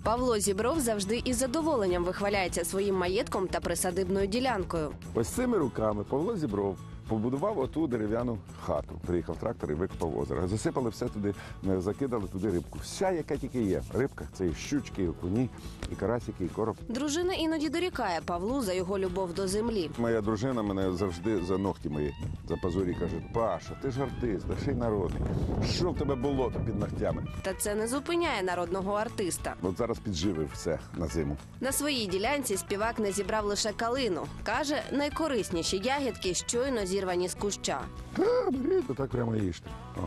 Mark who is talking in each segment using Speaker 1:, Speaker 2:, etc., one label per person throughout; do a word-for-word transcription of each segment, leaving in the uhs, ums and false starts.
Speaker 1: Павло Зібров завжди із задоволенням вихваляється своїм маєтком та присадибною ділянкою.
Speaker 2: Ось цими руками Павло Зібров побудував оту дерев'яну хату. Приїхав трактор і викопав озеро. Засипали все туди, закидали туди рибку. Вся, яка тільки є. Рибка – це і щучки, і окуні, і карасики, і короб.
Speaker 1: Дружина іноді дорікає Павлу за його любов до землі.
Speaker 2: Моя дружина мене завжди за ногті мої, за пазурі каже: Паша, ти ж артист, та ще й народний. Що в тебе болото під ногтями?
Speaker 1: Та це не зупиняє народного артиста.
Speaker 2: От зараз підживив все на зиму.
Speaker 1: На своїй ділянці співак не зібрав лише калину. Каже, найкорисніші ягідки щойно зірвані з куща.
Speaker 2: Та, беріть, так прямо їжте. О.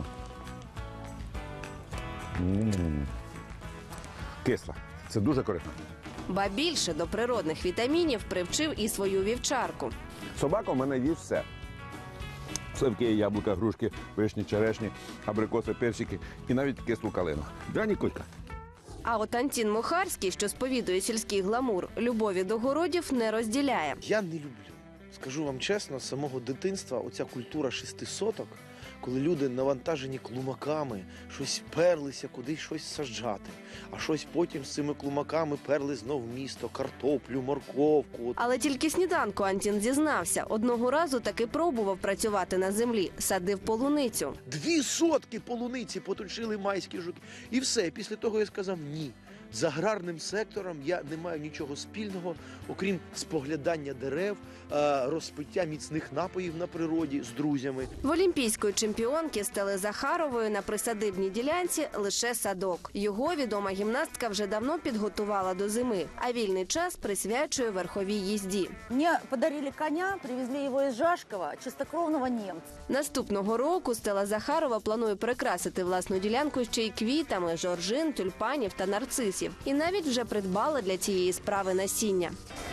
Speaker 2: М-м-м. Кисла. Це дуже корисно.
Speaker 1: Ба більше до природних вітамінів привчив і свою вівчарку.
Speaker 2: Собака в мене їсть все. Сливки, яблука, грушки, вишні, черешні, абрикоси, персики і навіть кислу калину. Да, Ніколька?
Speaker 1: А от Антін Мухарський, що сповідує сільський гламур, любові до городів не розділяє.
Speaker 3: Я не люблю. Скажу вам чесно, з самого дитинства оця культура шести соток, коли люди навантажені клумаками, щось перлися, кудись щось саджати, а щось потім з цими клумаками перли знов в місто, картоплю, морковку.
Speaker 1: Але тільки сніданку Антін зізнався. Одного разу таки пробував працювати на землі, садив полуницю.
Speaker 3: Дві сотки полуниці поточили майські жуки. І все. Після того я сказав ні. З аграрним сектором я не маю нічого спільного, окрім споглядання дерев, розпиття міцних напоїв на природі з друзями.
Speaker 1: В олімпійської чемпіонки Стели Захарової на присадибній ділянці лише садок. Його відома гімнастка вже давно підготувала до зими, а вільний час присвячує верховій їзді.
Speaker 4: Мені подарили коня, привезли його із Жашкова, чистокровного німця.
Speaker 1: Наступного року Стела Захарова планує прикрасити власну ділянку ще й квітами жоржин, тюльпанів та нарцисів. І навіть вже придбала для цієї справи насіння.